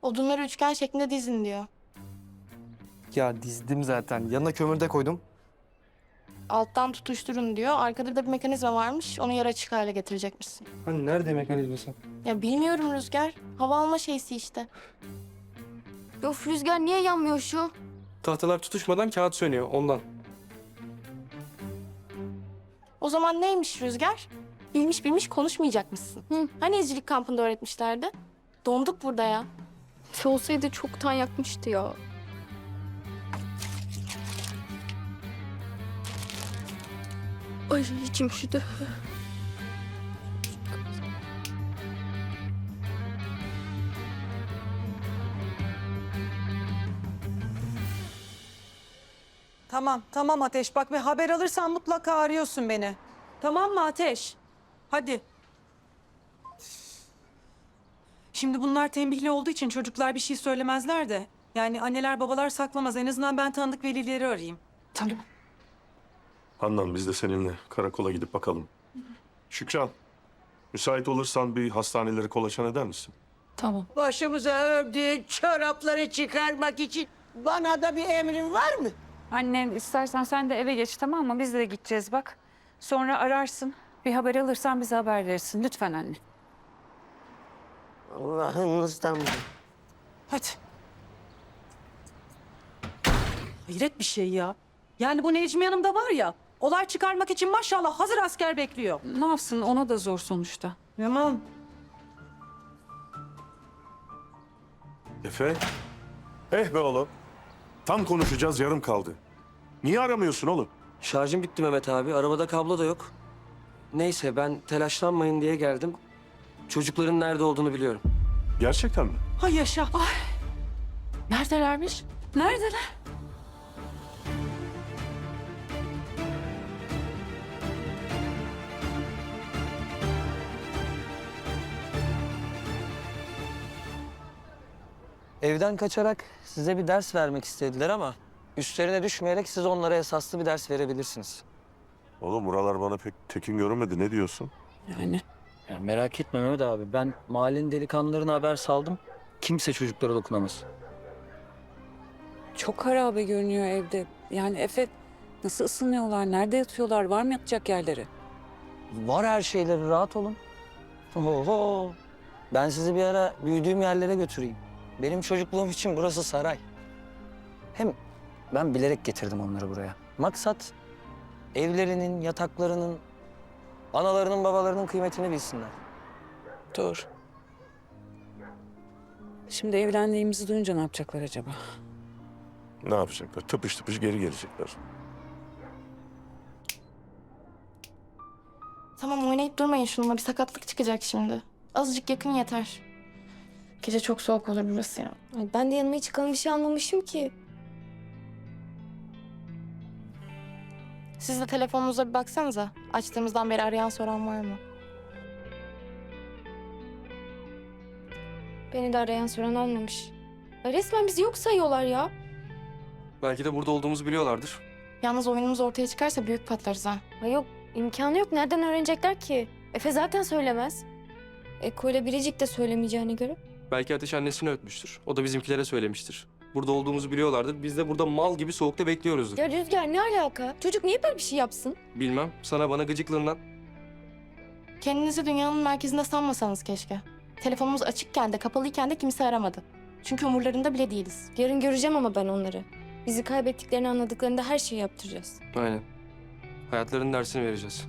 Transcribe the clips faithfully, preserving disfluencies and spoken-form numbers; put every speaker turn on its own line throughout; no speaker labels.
Odunları üçgen şeklinde dizin diyor.
Ya dizdim zaten. Yanına kömür de koydum.
Alttan tutuşturun diyor. Arkada da bir mekanizma varmış. Onu yarı açık hale getirecekmişsin.
Hani nerede mekanizması?
Ya bilmiyorum Rüzgar. Hava alma şeysi işte.
Of Rüzgar niye yanmıyor şu?
Tahtalar tutuşmadan kağıt sönüyor ondan.
O zaman neymiş Rüzgar? Bilmiş bilmiş konuşmayacakmışsın.
Hı.
Hani izcilik kampında öğretmişlerdi? Donduk burada ya.
Efe olsaydı çoktan yakmıştı ya. Ay içim üşüdü.
Tamam, tamam Ateş. Bak ve haber alırsan mutlaka arıyorsun beni. Tamam mı Ateş? Hadi. Şimdi bunlar tembihli olduğu için çocuklar bir şey söylemezler de. Yani anneler babalar saklamaz. En azından ben tanıdık velileri arayayım.
Tamam.
Handan biz de seninle karakola gidip bakalım. Şükran, müsait olursan bir hastaneleri kolaçan eder misin?
Başımıza ördüğün çorapları çıkarmak için bana da bir emrin var mı?
Annen istersen sen de eve geç, tamam mı? Biz de gideceğiz bak. Sonra ararsın. Bir haber alırsan bize haber verirsin. Lütfen anne.
Allah'ınızdan mı?
Hadi. Hayret bir şey ya. Yani bu Necmi Hanım var ya, olay çıkarmak için maşallah hazır asker bekliyor.
Ne yapsın? Ona da zor sonuçta.
Tamam.
Efe? Eh be oğlum. Tam konuşacağız yarım kaldı. Niye aramıyorsun oğlum?
Şarjım bitti Mehmet abi. Arabada kablo da yok. Neyse ben telaşlanmayın diye geldim. Çocukların nerede olduğunu biliyorum.
Gerçekten mi?
Hay yaşa.
Neredelermiş?
Neredeler?
Evden kaçarak size bir ders vermek istediler ama üstlerine düşmeyerek siz onlara esaslı bir ders verebilirsiniz.
Oğlum buralar bana pek tekin görünmedi. Ne diyorsun?
Yani
Ya merak etme Mehmet abi, ben mahallenin delikanlılarına haber saldım. Kimse çocuklara dokunamaz.
çok harabe görünüyor evde. Yani Efe nasıl ısınıyorlar? Nerede yatıyorlar? Var mı yatacak yerleri?
Var her şeyleri, rahat olun. Oho. Ben sizi bir ara büyüdüğüm yerlere götüreyim. Benim çocukluğum için burası saray. Hem ben bilerek getirdim onları buraya. Maksat evlerinin, yataklarının, analarının, babalarının kıymetini bilsinler.
Doğru. Şimdi evlendiğimizi duyunca ne yapacaklar acaba?
Ne yapacaklar? Tıpış tıpış geri gelecekler.
Tamam oynayıp durmayın şununla. Bir sakatlık çıkacak şimdi. Azıcık yakın yeter. Gece çok soğuk olur burası ya.
Ay, ben de yanıma hiç kalın bir şey almamışım ki.
Siz de telefonunuza bir baksanıza. Açtığımızdan beri arayan soran var mı?
Beni de arayan soran olmamış. Ay, resmen bizi yok sayıyorlar ya.
Belki de burada olduğumuzu biliyorlardır.
Yalnız oyunumuz ortaya çıkarsa büyük patlarız ha.
Ay yok, imkanı yok. Nereden öğrenecekler ki? Efe zaten söylemez. Eko ile Biricik de söylemeyeceğine göre.
Belki Ateş annesini ötmüştür. O da bizimkilere söylemiştir. Burada olduğumuzu biliyorlardır. Biz de burada mal gibi soğukta bekliyoruzdur.
Ya Rüzgar ne alaka? Çocuk niye böyle bir şey yapsın?
Bilmem. Sana bana gıcıklığından.
Kendinizi dünyanın merkezinde sanmasanız keşke. Telefonumuz açıkken de kapalıyken de kimse aramadı. Çünkü umurlarında bile değiliz.
Yarın göreceğim ama ben onları. Bizi kaybettiklerini anladıklarında her şeyi yaptıracağız.
Aynen. Hayatlarının dersini vereceğiz.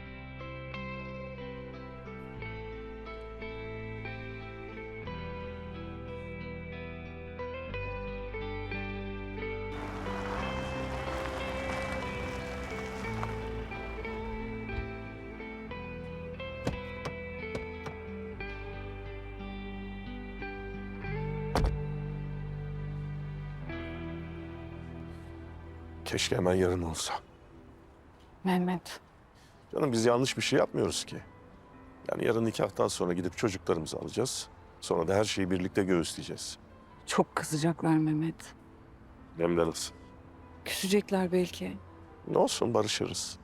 Keşke hemen yarın olsa.
Mehmet.
Canım biz yanlış bir şey yapmıyoruz ki. Yani yarın nikahtan sonra gidip çocuklarımızı alacağız. Sonra da her şeyi birlikte göğüsleyeceğiz.
Çok kızacaklar Mehmet.
Hem de nasıl?
Küsecekler belki.
Ne olsun barışırız.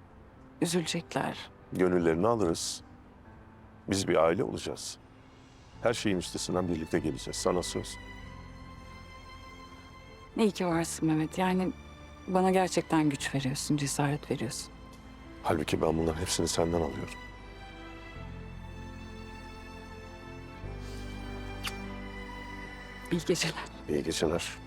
Üzülecekler.
Gönüllerini alırız. Biz bir aile olacağız. Her şeyin üstesinden birlikte geleceğiz. Sana söz.
İyi ki varsın Mehmet. Yani bana gerçekten güç veriyorsun, cesaret veriyorsun.
Halbuki ben bunların hepsini senden alıyorum.
İyi geceler.
İyi geceler.